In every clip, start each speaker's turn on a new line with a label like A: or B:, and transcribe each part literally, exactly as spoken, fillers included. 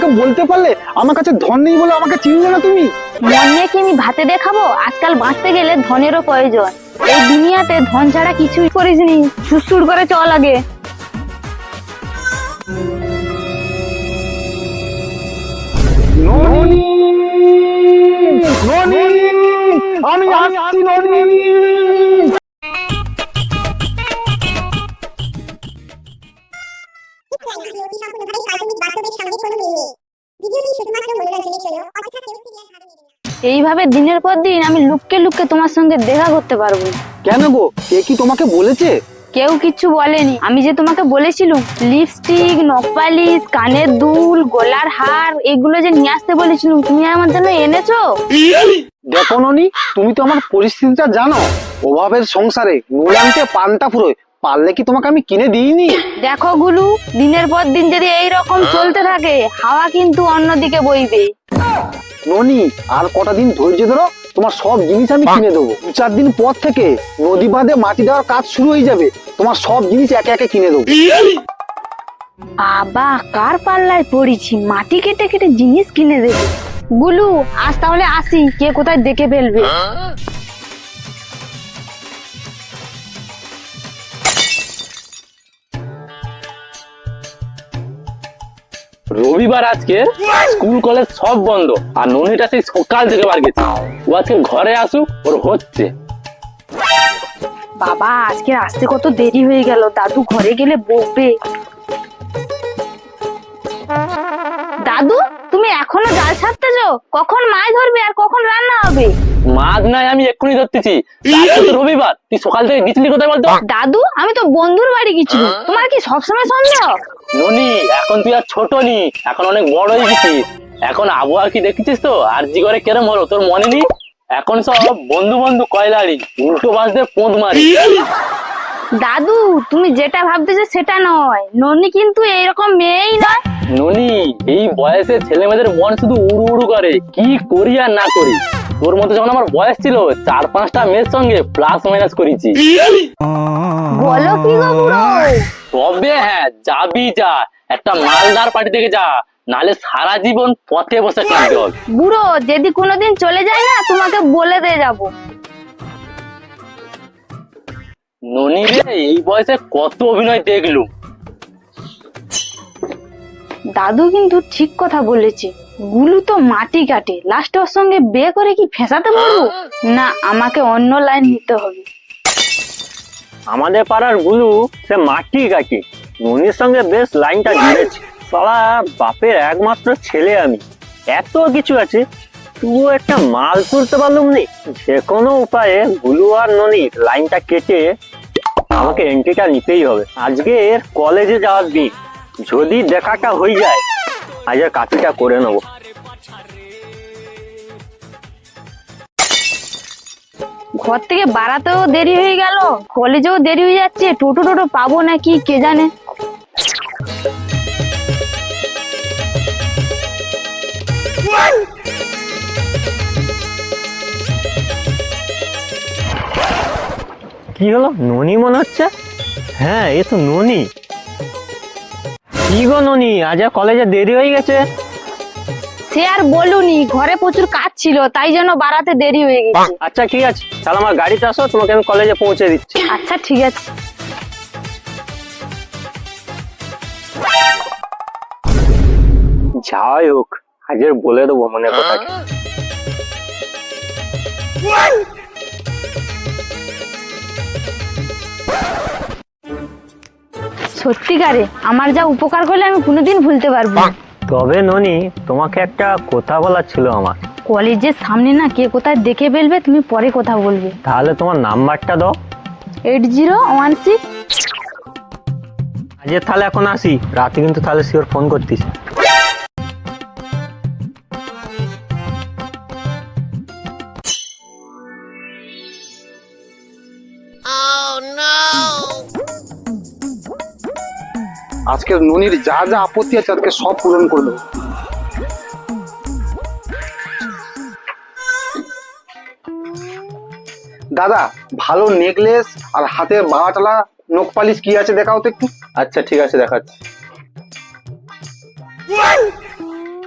A: আমাকে বলতে পারলে আমার কাছে ধন নেই বলে আমাকে চিনলে না তুমি?
B: মন নিয়ে কি আমি ভাতে দেখাবো? আজকাল বাঁচতে গেলে ধনেরও প্রয়োজন। এই দুনিয়াতে ধন ছাড়া কিছুই করিসনি, সুসুর করে চল আগে।
A: ননি, ননি, আমি আসছি ননি।
C: ভিডিওটি সম্পূর্ণভাবে কাল্পনিক, বাস্তবের সঙ্গে কোনো মিল নেই। ভিডিওটি শুধুমাত্র মনোরঞ্জনের জন্য, অযথা কেউ সিরিয়াস ভাবে নেবেন না।
B: এইভাবে দিনের পর দিন আমি লুককে লুককে তোমার সঙ্গে দেখা করতে পারবো।
A: কেন গো, কে কি তোমাকে বলেছে?
B: কেউ কিচ্ছু বলেনি। আমি যে তোমাকে বলেছিলাম লিপস্টিক, নখপালিশ, কানের দুল, গলার হার এগুলো যে নিয়ে আসতে বলেছিলাম, তুমি আমার জন্য এনেছো?
A: দেখো ননি, তুমি তো আমার পরিস্থিতিটা জানো। অভাবের সংসারে নোলানকে পান্তা ফুরোয়, পারলে কি তোমাকে আমি কিনে দিইনি?
B: দেখো গুলু, দিনের পর দিন যদি এই রকম চলতে থাকে হাওয়া কিন্তু অন্যদিকে বইবে।
A: ননি, আর কটা দিন ধৈর্য ধরো, তোমার সব জিনিস আমি কিনে দেবো। দু চার দিন পর থেকে নদী বাঁধে মাটি দেওয়ার কাজ শুরু হয়ে যাবে, তোমার সব জিনিস একে একে কিনে দেবো।
B: বাবা, কার পাল্লায় পড়েছি, মাটি কেটে কেটে জিনিস কিনে দেবে। গুলু, আজ তাহলে আসি, কে কোথায় দেখে ফেলবে।
D: রবিবার আজকে, স্কুল কলেজ সব বন্ধ, আর ননিটা সেই সকাল থেকে বার গেছে। ও আজকে ঘরে আসুক, ওর হচ্ছে।
B: বাবা, আজকে আসতে কত দেরি হয়ে গেল, দাদু ঘরে গেলে বকবে। দাদু, তুমি এখনো জাল ছাড়তেছো? কখন মাছ ধরবে আর কখন রান্না হবে?
D: মাছ নাই, আমি এক্ষুনি ধরতেছি। আজকে তো রবিবার, তুই সকাল থেকে গেছিলি কোথায় বলতো?
B: দাদু, আমি তো বন্ধুর বাড়ি গেছিলাম। তোমার কি সবসময় সন্দেহ?
D: ননি, এখন তুই আর ছোট নি, এখন অনেক বড় হয়ে গেছিস। এখন আবহাওয়া কি দেখেছিস তো, আর জি করে কেরম হলো, তোর মনে নেই? এখন সব বন্ধু বন্ধু কয়লারি, উল্টো বাসতে পোঁদ মারি।
B: দাদু, তুমি যেটা ভাবতেছো সেটা নয়, ননি কিন্তু এইরকম মেয়েই নয়।
D: ননি, এই বয়সে ছেলে মেয়েদের মন শুধু উড়ু উড়ু করে, কি করি আর না করি। তোর মতো যখন আমার বয়স ছিল, চার পাঁচটা মেয়ের সঙ্গে প্লাস মাইনাস করেছি।
B: বলো কি গো বুড়ো?
D: তবে হ্যাঁ, যাবি যা, একটা মালদার পার্টি থেকে যা, নালে সারা জীবন পথে বসে কাঁদতে হবে।
B: বুড়ো, যদি কোনোদিন চলে যায় না, তোমাকে বলে দিয়ে যাবো।
D: ননি রে, এই বয়সে কত অভিনয় দেখলুম।
B: দাদু কিন্তু ঠিক কথা বলেছে, গুলু তো মাটি কাটে, লাস্ট ওর সঙ্গে বিয়ে করে কি ফেসাতে পারবো না? আমাকে অন্য লাইন নিতে হবে।
E: আমাদের পাড়ার গুলু সে মাটি কাটি, ননির সঙ্গে বেশ লাইনটা জুড়েছে। সালা বাপের একমাত্র ছেলে আমি, এত কিছু আছে, তুইও একটা মাল তুলতে পারলুম নি। যে কোনো উপায়ে গুলু আর ননির লাইনটা কেটে আমাকে এন্ট্রিটা নিতেই হবে। আজকে এর কলেজে যাওয়ার দিন, যদি দেখাটা হয়ে যায় আজকে কাটিটা করে নেবো।
B: ঘর থেকে বাড়াতেও দেরি হয়ে গেল, কলেজেও দেরি হয়ে যাচ্ছে, টোটো টোটো পাবো নাকি কে জানে।
E: কি হলো, ননি মনে হচ্ছে? হ্যাঁ, এ তো ননি। কি গো ননি, আজ আর কলেজে দেরি হয়ে গেছে?
B: সে আর বলুনি, ঘরে প্রচুর কাজ ছিল, তাই জন্য বাড়াতে দেরি হয়ে গেছে।
E: আচ্ছা ঠিক আছে, তাহলে আমার গাড়িতে আসো, তোমাকে আমি কলেজে পৌঁছে দিচ্ছি।
B: আচ্ছা ঠিক আছে।
E: যাই হোক, আজের বলে দেবো মনে কথাকে।
B: সত্যিকারে আমার যা উপকার করলে আমি কোনোদিন ভুলতে পারবো না।
E: তবে ননি, তোমাকে একটা কথা বলার ছিল আমার।
B: কলেজের সামনে না কে কোথায় দেখে ফেলবে, তুমি পরে কথা বলবে।
E: তাহলে তোমার নাম্বারটা দাও।
B: Eight zero one six.
E: আজের তাহলে এখন আসি, রাতে কিন্তু তাহলে শিওর ফোন করতিস।
A: আজকে ননির যা যা আপত্তি আছে আজকে সব পূরণ করে দেবো। দাদা, ভালো নেকলেস আর হাতের বাগাটালা নখ পালিশ কি আছে দেখাও তো একটু।
D: আচ্ছা ঠিক আছে, দেখাচ্ছি।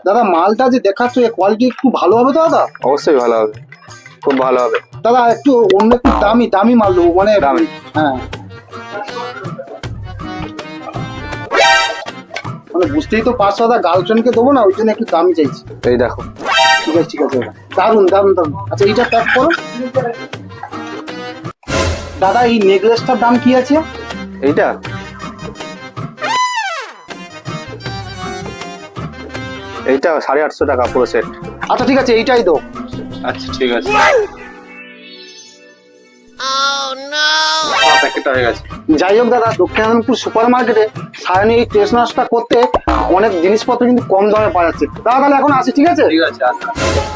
A: দাদা মালটা যে দেখাচ্ছ এর কোয়ালিটি একটু ভালো হবে তো দাদা?
F: অবশ্যই ভালো হবে, খুব ভালো হবে।
A: দাদা একটু অন্য একটু দামি দামি মাল দেবো মানে
F: দামি?
A: হ্যাঁ মানে বুঝতেই তো পারছো দাদা, গার্লফ্রেন্ডকে দেবো না, ওই জন্য একটু দামি চাইছি।
F: এই দেখো।
A: ঠিক আছে ঠিক আছে দাদা, দারুন দারুন দারুন। আচ্ছা এইটা প্যাক করো। দাদা এই নেকলেসটার দাম কি আছে?
F: এইটা এইটা সাড়ে আটশো টাকা পুরো সেট।
A: আচ্ছা ঠিক আছে এইটাই দাও।
F: আচ্ছা ঠিক আছে, প্যাকেটটা হয়ে গেছে।
A: যাই হোক দাদা, দক্ষিণানন্দপুর সুপার মার্কেটে সায়নী এই টেস্ট নাচটা করতে অনেক জিনিসপত্র কিন্তু কম দামে পাওয়া যাচ্ছে। দাদা তাহলে এখন আসি, ঠিক আছে?
F: ঠিক আছে, আচ্ছা।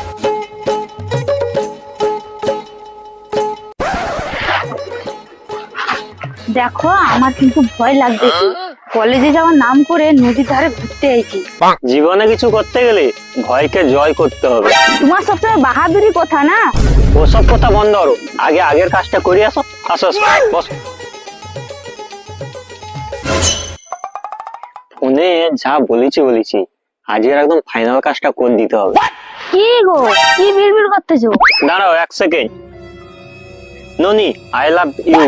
B: দেখো আমার কিন্তু ভয় লাগবে। কলেজে যাওয়ার নাম করে নদীর ধারে ঘুরতে আইছি।
E: জীবনে কিছু করতে গেলে ভয়কে জয় করতে হবে।
B: তোমার সবসময় বাহাদুরি কথা না।
E: ওসব কথা বন্ধ করো, আগে আগের কাজটা করি। আসো আসো আসো, বসো। ফোনে যা বলেছি বলেছি, আজকের একদম ফাইনাল কাজটা করে দিতে হবে।
B: কি গো, কি বিড়বিড় করতেছো?
E: দাঁড়াও এক সেকেন্ড। ননি, আই লাভ ইউ।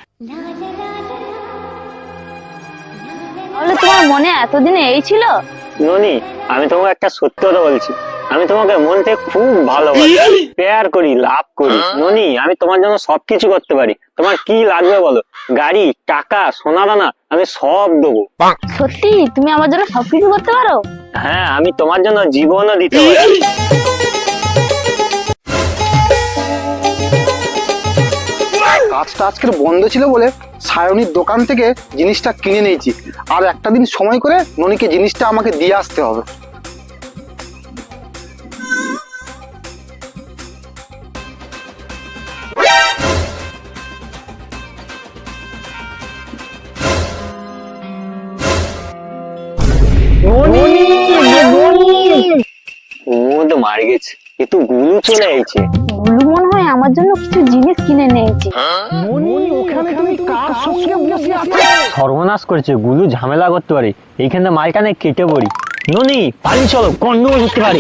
B: তাহলে তোমার মনে এতদিনে এই ছিল?
E: ননি, আমি তোমাকে একটা সত্যি কথা বলছি, আমি তোমাকে মন থেকে খুব ভালোবাসি, প্যার করি, লাভ করি। ননি, আমি তোমার জন্য সবকিছু করতে পারি। তোমার কি লাগবে বলো? গাড়ি, টাকা, সোনা দানা, আমি সব দেবো।
B: সত্যি তুমি আমার জন্য সবকিছু করতে পারো?
E: হ্যাঁ, আমি তোমার জন্য জীবনও দিতে পারি।
A: কাজটা আজকের বন্ধ ছিল বলে সায়নীর দোকান থেকে জিনিসটা কিনে নিয়েছি, আর একটা দিন সময় করে ননিকে জিনিসটা আমাকে দিয়ে আসতে হবে।
E: ও তো মার গেছে, এ তো গুলু চলে আইছে।
B: গুলু মনে হয় আমার জন্য কিছু জিনিস কিনে নিয়েছে।
E: সর্বনাশ করেছে, গুলু ঝামেলা করতে পারে। এইখানে মালটা কেটে পড়ি। ননি, পালি চলো, গন্ডগোল করতে পারি।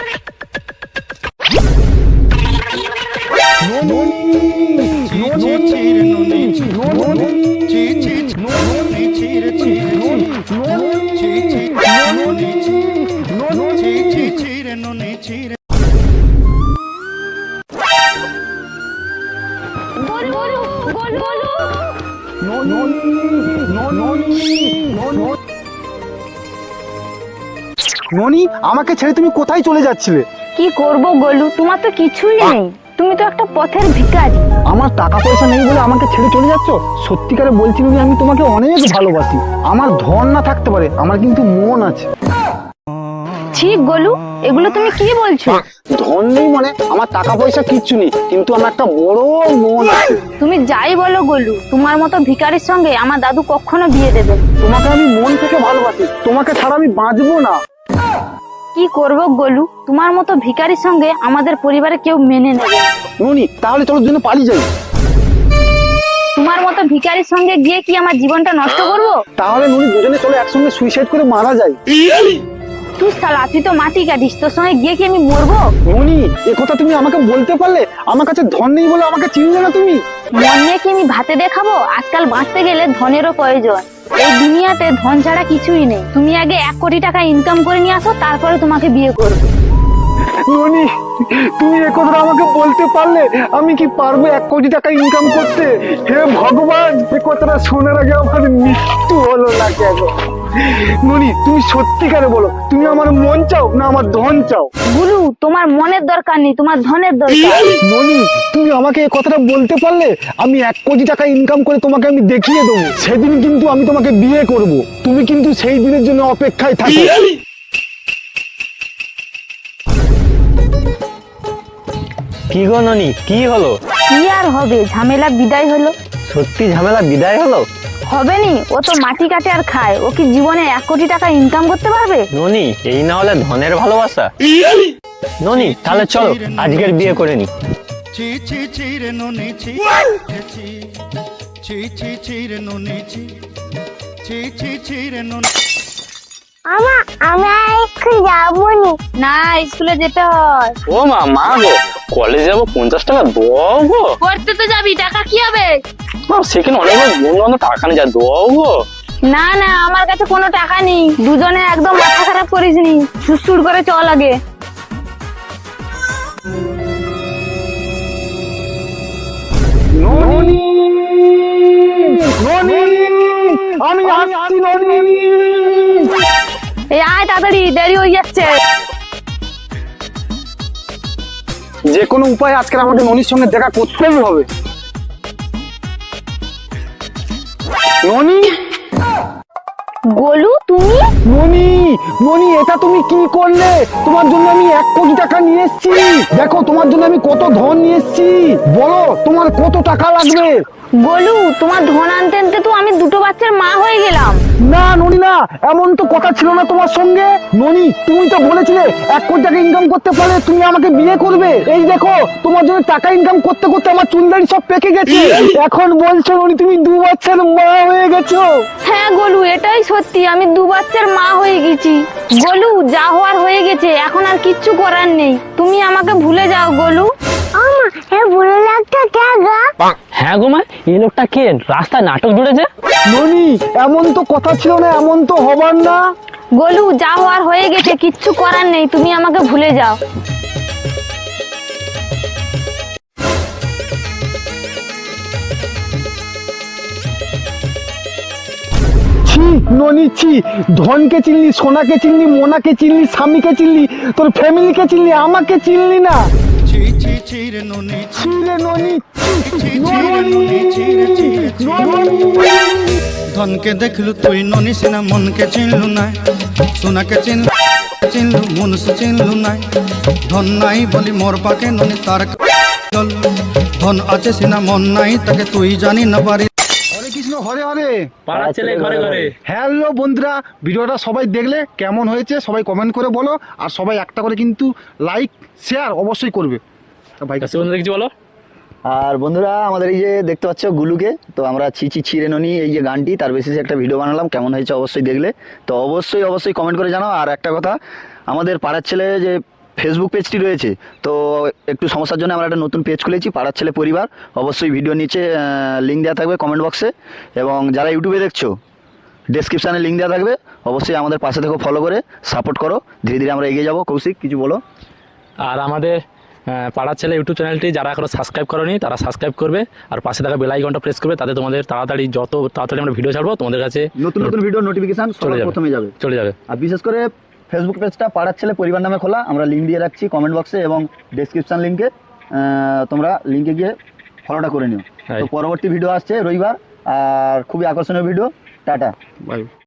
A: ননি, আমাকে ছেড়ে তুমি কোথায় চলে যাচ্ছিলে?
B: কি করব গোলু, তোমার তো কিছুই নেই। তুমি তো একটা পথের ভিখারি।
A: আমার টাকা পয়সা নেই বলে আমাকে ছেড়ে চলে যাচ্ছ? সত্যিকারে বলছি ননি, আমি তোমাকে অনেক ভালোবাসি। আমার ধন না থাকতে পারে, আমার কিন্তু মন আছে।
B: ঠিক গোলু, এগুলো তুমি কি বলছো?
A: ধন নেই মানে আমার টাকা পয়সা কিচ্ছু নেই, কিন্তু আমার একটা বড় মন আছে।
B: তুমি যাই বলো গোলু, তোমার মতো ভিখারির সঙ্গে আমার দাদু কখনো বিয়ে দেবে না।
A: তোমাকে আমি মন থেকে ভালোবাসি, তোমাকে ছাড়া আমি বাঁচবো না।
B: কি করব গোলু, তোমার মতো ভিখারির সঙ্গে আমাদের পরিবারে কেউ মেনে নেবে না।
A: ননি, তাহলে চলো জন্য পালিয়ে যাই।
B: তোমার মতো ভিখারির সঙ্গে গিয়ে কি আমার জীবনটা নষ্ট করব?
A: তাহলে ননি দুজনে চলো একসঙ্গে সুইসাইড করে মারা যায়।
B: তুই শালা, তুই তো মাটি কাটিস, তোর সঙ্গে গিয়ে কি আমি মরবো?
A: ননি, এ কথা তুমি আমাকে বলতে পারলে? আমার কাছে ধন নেই বলে আমাকে চিনলে না তুমি?
B: মন নিয়ে কি আমি ভাতে দেখাবো? আজকাল বাঁচতে গেলে ধনেরও প্রয়োজন। এই দুনিয়াতে ধন ছাড়া কিছুই নেই। তুমি আগে এক কোটি টাকা ইনকাম করে নিয়ে আসো, তারপরে তোমাকে বিয়ে করবো।
A: ননি, তুমি এ কথাটা আমাকে বলতে পারলে? আমি কি পারবো এক কোটি টাকা ইনকাম করতে? হে ভগবান, এ কথাটা শোনার আগে আমার মৃত্যু হলো না কেন? ননি, তুমি সত্যিকারে বলো, তুমি আমার মন চাও না আমার ধন চাও?
B: গুরু, তোমার মনের দরকার নেই, তোমার ধনের দরকার।
A: ননি, তুমি আমাকে এই কথাটা বলতে পারলে? আমি এক কোটি টাকা ইনকাম করে তোমাকে আমি দেখিয়ে দেবো। সেদিন কিন্তু আমি তোমাকে বিয়ে করব। তুমি কিন্তু সেই দিনের জন্য অপেক্ষায় থাকো।
E: কি গো ননি, কি হলো?
B: কি আর হবে, ঝামেলা বিদায় হলো।
E: সত্যি ঝামেলা বিদায় হলো?
B: হবে নি, ও তো মাটি কাটে আর খায়। ও কি জীবনে এক কোটি টাকা ইনকাম করতে পারবে?
E: ননি, এই না হলে ধনের ভালোবাসা। ননি, তাহলে চলো আজকের বিয়ে করে নি।
G: ছি ছি ছি রে ননি ছি ছি ছি ছি ছি রে ননি ছি ছি ছি ছি রে ননি
C: আমা আমি এখন যাবো নি।
B: না স্কুলে যেতে হয়।
D: ও মা মা গো কলেজে যাবো পঞ্চাশ টাকা দাও গো।
B: পড়তে তো যাবি, টাকা কি হবে?
D: না, সেখানে অনেক বন্ধু বান্ধব টাকা নিয়ে যায় দাও গো।
B: না না আমার কাছে কোনো টাকা নেই। দুজনে একদম মাথা খারাপ করিস নি, সুসুর করে চল আগে।
A: ননি ননি আমি আসছি ননি।
B: এই আয় তাড়াতাড়ি, দেরি হয়ে যাচ্ছে।
A: যে কোনো উপায়ে আজকে আমাকে ননির সঙ্গে দেখা করতেই হবে। ননি
B: গোলু তুমি?
A: ননি ননি এটা তুমি কি করলে? তোমার জন্য আমি এক কোটি টাকা নিয়ে এসেছি। দেখো তোমার জন্য আমি কত ধন নিয়ে এসেছি। বলো তোমার কত টাকা লাগবে?
B: গোলু তোমার ধন আনতে আনতে তো আমি দুটো বাচ্চার মা হয়ে গেলাম।
A: না ননি না, এমন তো কথা ছিল না তোমার সঙ্গে। ননি তুমি তো বলেছিলে এক কোটি টাকা ইনকাম করতে পারলে তুমি আমাকে বিয়ে করবে। এই দেখো তোমার জন্য টাকা ইনকাম করতে করতে আমার চুলদাড়ি সব পেকে গেছে। এখন বলছো ননি তুমি দু বাচ্চার মা হয়ে গেছো।
B: হ্যাঁ গোলু এটাই সত্যি, আমি দু বাচ্চার মা হয়ে গেছি। গোলু যা হওয়ার হয়ে গেছে, এখন আর কিচ্ছু করার নেই। তুমি আমাকে ভুলে যাও গোলু।
C: আমা এ বুড়ো লোকটা কে গা?
D: হ্যাঁ গো মা, এই লোকটা কে রাস্তায় নাটক জুড়েছে?
A: ননি এমন তো কথা ছিল না, এমন তো হবার না।
B: গোলু যা হওয়ার হয়ে গেছে, কিচ্ছু করার নেই, তুমি আমাকে ভুলে যাও।
A: ছি ননি ছি, ধনকে চিনলি, সোনাকে চিনলি, মোনাকে চিনলি, স্বামীকে চিনলি, তোর ফ্যামিলিকে চিনলি, আমাকে চিনলি না।
G: ছি ছি ছি রে ননি ছি
A: ছি রে ননি ছি,
G: ছি ছি রে ননি ছি রে ছি রে ছি।
A: ননি।
G: ধনকে দেখলু তুই ননি সিনা মনকে চিনলু নাই, সোনাকে চিনলু চিনলু মনুষ্য চিনলু নাই। ধন নাই বলি মোর পাকে ননি তার চল, ধন আছে সিনা মন নাই তাকে তুই জানি না পারি।
A: হরে কৃষ্ণ হরে হরে।
D: পাড়ার ছেলে ঘরে ঘরে।
A: হ্যালো বন্ধুরা, ভিডিওটা সবাই দেখলে কেমন হয়েছে সবাই কমেন্ট করে বলো। আর সবাই একটা করে কিন্তু লাইক শেয়ার অবশ্যই করবে। ভাই
D: কাছে বন্ধু দেখছি বলো।
H: আর বন্ধুরা আমাদের এই যে দেখতে পাচ্ছ গুলুকে, তো আমরা ছিচি ছিঁড়ে ননি এই যে গানটি তার বেসিসে একটা ভিডিও বানালাম, কেমন হয়েছে অবশ্যই দেখলে তো অবশ্যই অবশ্যই কমেন্ট করে জানাও। আর একটা কথা, আমাদের পাড়ার ছেলে যে ফেসবুক পেজটি রয়েছে, তো একটু সমস্যার জন্য আমরা একটা নতুন পেজ খুলেছি পাড়ার ছেলে পরিবার। অবশ্যই ভিডিও নিচে লিঙ্ক দেওয়া থাকবে কমেন্ট বক্সে, এবং যারা ইউটিউবে দেখছো ডেসক্রিপশানে লিঙ্ক দেওয়া থাকবে। অবশ্যই আমাদের পাশে থেকে ফলো করে সাপোর্ট করো, ধীরে ধীরে আমরা এগিয়ে যাবো। কৌশিক কিছু বলো।
D: আর আমাদের আহ, পাড়ার ছেলে ইউটিউব চ্যানেলটি যারা এখনো সাবস্ক্রাইব করোনি তারা সাবস্ক্রাইব করবে, আর পাশে থাকা বেল আইকনটা প্রেস করবে, তাতে তোমাদের তাড়াতাড়ি যত তাড়াতাড়ি আমরা ভিডিও ছাড়বো তোমাদের কাছে
H: নতুন নতুন ভিডিও নোটিফিকেশন
D: চলে
H: সবার
D: যাবে।
H: প্রথমে যাবে।
D: চলে যাবে।
H: আর বিশেষ করে ফেসবুক পেজটা পাড়ার ছেলে পরিবার নামে খোলা, আমরা লিঙ্ক দিয়ে রাখছি কমেন্ট বক্সে এবং ডেসক্রিপশন লিঙ্কে, তোমরা লিঙ্কে গিয়ে ফলোটা করে নিও।
D: হ্যাঁ।
H: তো পরবর্তী ভিডিও আসছে রবিবার, আর খুবই আকর্ষণীয় ভিডিও। টাটা।
A: ভাই